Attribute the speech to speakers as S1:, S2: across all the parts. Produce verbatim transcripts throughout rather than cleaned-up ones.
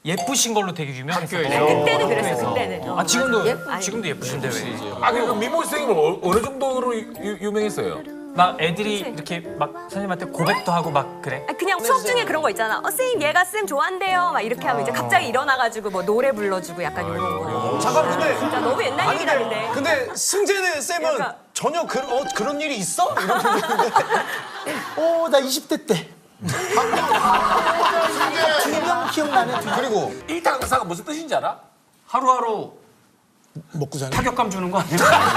S1: 예쁘신 걸로 되게 유명했어요.
S2: 그때는 그랬어. 그때는.
S1: 아 지금도
S2: 예쁘-
S1: 지금도 예쁘신데 왜?
S3: 아, 그리고 미모 선생님은 어, 어느 정도로 유, 유명했어요?
S1: 막 애들이 이렇게 막 선생님한테 고백도 하고 막 그래?
S2: 아, 그냥 수업 중에 그런 거 있잖아. 어, 선생님 얘가 쌤 좋아한대요. 막 이렇게 하면 이제 갑자기 일어나가지고 뭐 노래 불러주고 약간 이런 거.
S4: 잠깐 근데
S2: 진짜 너무 옛날 얘기다 근데.
S4: 근데 승재네 쌤은
S2: 약간-
S4: 전혀 그, 어, 그런 일이 있어? 이런
S5: 어, 나 이십 대 때. 두 명 기억나네. 두 명.
S4: 그리고
S3: 일타 강사가 무슨 뜻인지 알아?
S1: 하루하루
S5: 먹고 사는.
S1: 타격감 주는 거 아니야?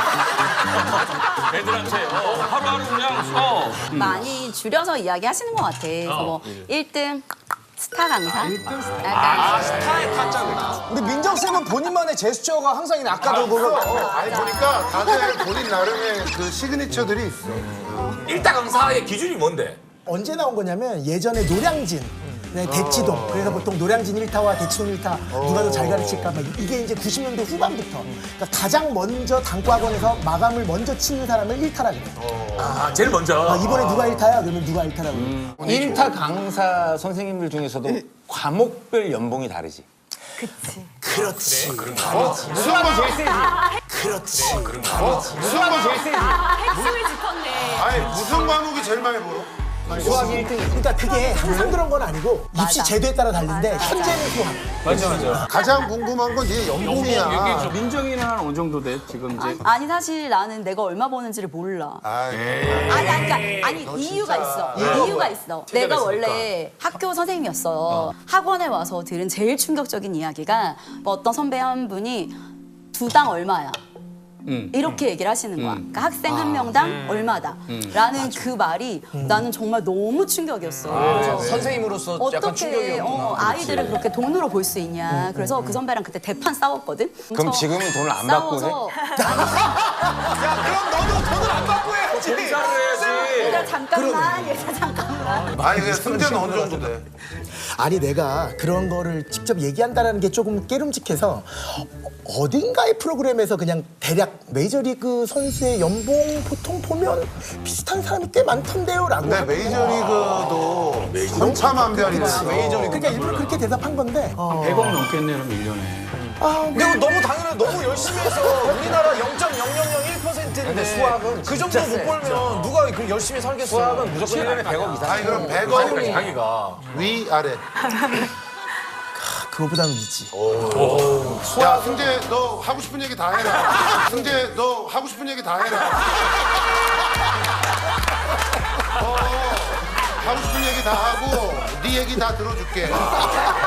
S1: 애들한테 어, 하루하루 그냥 어.
S6: 많이 줄여서 이야기하시는 것 같아. 그래서 뭐 일 등 스타 강사? 약간
S4: 아, 스타의 타짜구나. 우리 민정 쌤은 본인만의 제스처가 항상 있는 아까도 보면
S7: 아니 보니까 다들 본인 나름의 그 시그니처들이 있어.
S3: 일타 강사의 기준이 뭔데?
S5: 언제 나온 거냐면 예전에 노량진. 네, 대치동. 그래서 보통 노량진 일 타와 대치동 일 타 누가 더 잘 가르칠까 막 이게 이제 구십 년대 후반부터 그러니까 가장 먼저 단과학원에서 마감을 먼저 치는 사람을 일 타라 그래.
S3: 아, 제일 먼저.
S5: 아, 이번에 누가 일 타야? 그러면 누가 일 타라고. 그래.
S8: 일 타 강사 선생님들 중에서도 과목별 연봉이 다르지.
S2: 그치.
S5: 그렇지.
S8: 수학이 제일 세지.
S5: 그렇지.
S8: 수학이 제일 세지.
S2: 아, 핵심을 짚었네.
S7: 아니 무슨 과목이 제일 많이 벌어?
S8: 수학이 일 등.
S5: 그러니까 그게 항상 그런 건 아니고 입시
S6: 맞아.
S5: 제도에 따라 다른데 현재는 수학.
S3: 맞아, 맞아.
S7: 가장 궁금한 건 네 연봉이야.
S9: 민정이는 한 어느 정도 돼? 지금 이제
S6: 아니 사실 나는 내가 얼마 버는지를 몰라.
S7: 아이,
S6: 아니 아니 그러니까 아니 이유가 있어. 이유가 있어. 내가 원래 학교 선생님이었어. 학원에 와서 들은 제일 충격적인 이야기가 뭐 어떤 선배 한 분이 두당 얼마야. 이렇게 얘기를 하시는 거야. 그러니까 학생 한 명당 얼마다. 라는 그 말이 나는 정말 너무 충격이었어. 그래서
S4: 선생님으로서 약간
S6: 어떻게
S4: 충격이었구나.
S6: 어, 아이들을 그렇게 돈으로 볼 수 있냐. 그래서 그 선배랑 그때 대판 싸웠거든.
S8: 그럼
S6: 그래서
S8: 지금은 돈을 안 받고
S6: 싸워서
S4: 야, 그럼 너도 돈을 안 받고 해야지.
S3: 공사를 해야지.
S6: 얘들아 잠깐만, 얘들아 잠깐만.
S7: 아니 그냥 승재는 어느 정도 돼?
S5: 아니 내가 그런 거를 직접 얘기한다는 게 조금 깨름직해서 어딘가의 프로그램에서 그냥 대략 메이저리그 선수의 연봉 보통 보면 비슷한 사람이 꽤 많던데요라고.
S7: 근데 메이저리그도 천차만별이네.
S5: 메이저리그. 그러니까 일부러 그렇게 대답한 건데. 어.
S9: 백억 넘겠네 그럼 일 년에.
S4: 근데 이거 너무 당연해. 너무 열심히 해서 우리나라 영 점 영영영일 퍼센트인데 수학은 그 정도 못 벌면 누가 그 열심히 살겠어. 수학은 무조건 일 년에 백억 이상.
S7: 아니 그럼 백억
S3: 자기가.
S7: 위 아래.
S5: 그거보다는 위지.
S7: 야 승재 너 하고 싶은 얘기 다 해라. 승재 너 하고 싶은 얘기 다 해라. 어, 하고 싶은 얘기 다 하고 네 얘기 다 들어줄게.